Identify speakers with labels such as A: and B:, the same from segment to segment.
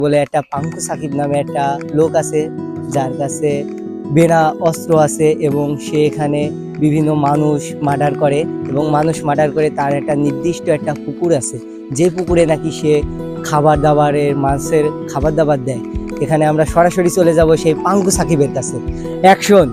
A: বলে একটা পাঙ্কু সাকিব নামে একটা লোক আছে, যার কাছে বেনা অস্ত্র আছে এবং সে এখানে বিভিন্ন মানুষ মার্ডার করে এবং মানুষ মার্ডার করে তার একটা নির্দিষ্ট একটা পুকুর আছে, যে পুকুরে নাকি সে খাবার দাবারের মাছের খাবার দাবার দেয়। এখানে আমরা সরাসরি চলে যাব সেই পাঙ্কু সাকিবের কাছে। অ্যাকশন।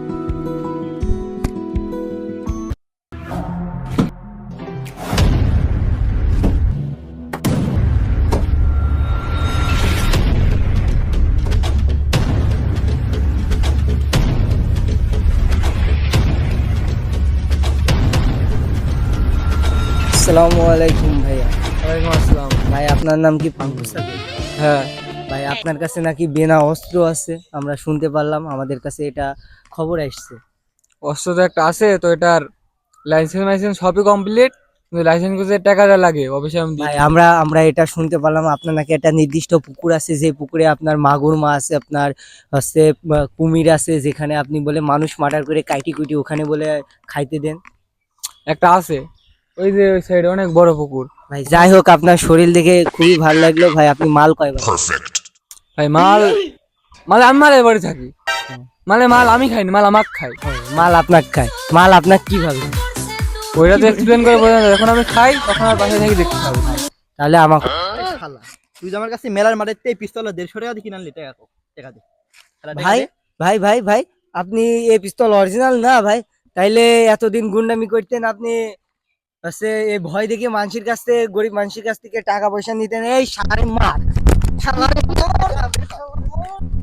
A: আসসালামু আলাইকুম ভাইয়া।
B: ওয়ালাইকুম আসসালাম।
A: ভাই আপনার নাম কি পাঙ্কু সাকিব?
B: হ্যাঁ,
A: ভাই আপনার কাছে নাকি বেনা অস্ত্র আছে, আমরা শুনতে পারলাম, আমাদের কাছে এটা খবর আসছে।
B: অস্ত্র তো একটা আছে, তো এটার লাইসেন্স সবই কমপ্লিট, কিন্তু লাইসেন্স করতে টাকাটা লাগে, অফিসে আমি
A: ভাই
B: দিচ্ছি।
A: আমরা এটা শুনতে পারলাম আপনার নাকি একটা নির্দিষ্ট পুকুর আছে, যে পুকুরে আপনার মাগুর মাছ আছে, আপনার হচ্ছে কুমির আছে, যেখানে আপনি বলে মানুষ মার্ডার করে কাইটি কুইটি ওখানে বলে খাইতে দেন।
B: একটা আছে, ওই যে ওই সাইডে অনেক বড় পুকুর।
A: ভাই যাই হোক, আপনার শরীর দেখে খুবই ভালো লাগলো। ভাই আপনি মাল কয়বার?
B: ভাই মাল মাল আমি মালের বাড়ি থাকি, মাল আমি খাইনি, মাল আমাকে খাই।
A: মাল আপনাকে খায়? মাল আপনাকে কিভাবে?
B: ওইটা তো এক্সপ্লেন করে বোঝা যায়, যখন আমি খাই তখন আর বাসায় থেকে দেখতে পাবো।
A: তাহলে আমাকে
C: শালা, তুই যে আমার কাছে মেলার মাঠে পিস্তল 150 টাকা দিয়ে কিনে আনলি, টাকা টাকা দে। শালা টাকা
A: ভাই
C: দে।
A: ভাই ভাই ভাই আপনি এই পিস্তল অরিজিনাল না ভাই? তাইলে এতদিন গুন্ডামি করতেন আপনি, হচ্ছে এই ভয় দেখে মানুষের কাছ থেকে, গরিব মানুষের কাছ থেকে টাকা পয়সা নিতেন। এই সারে মার, শালারে মার।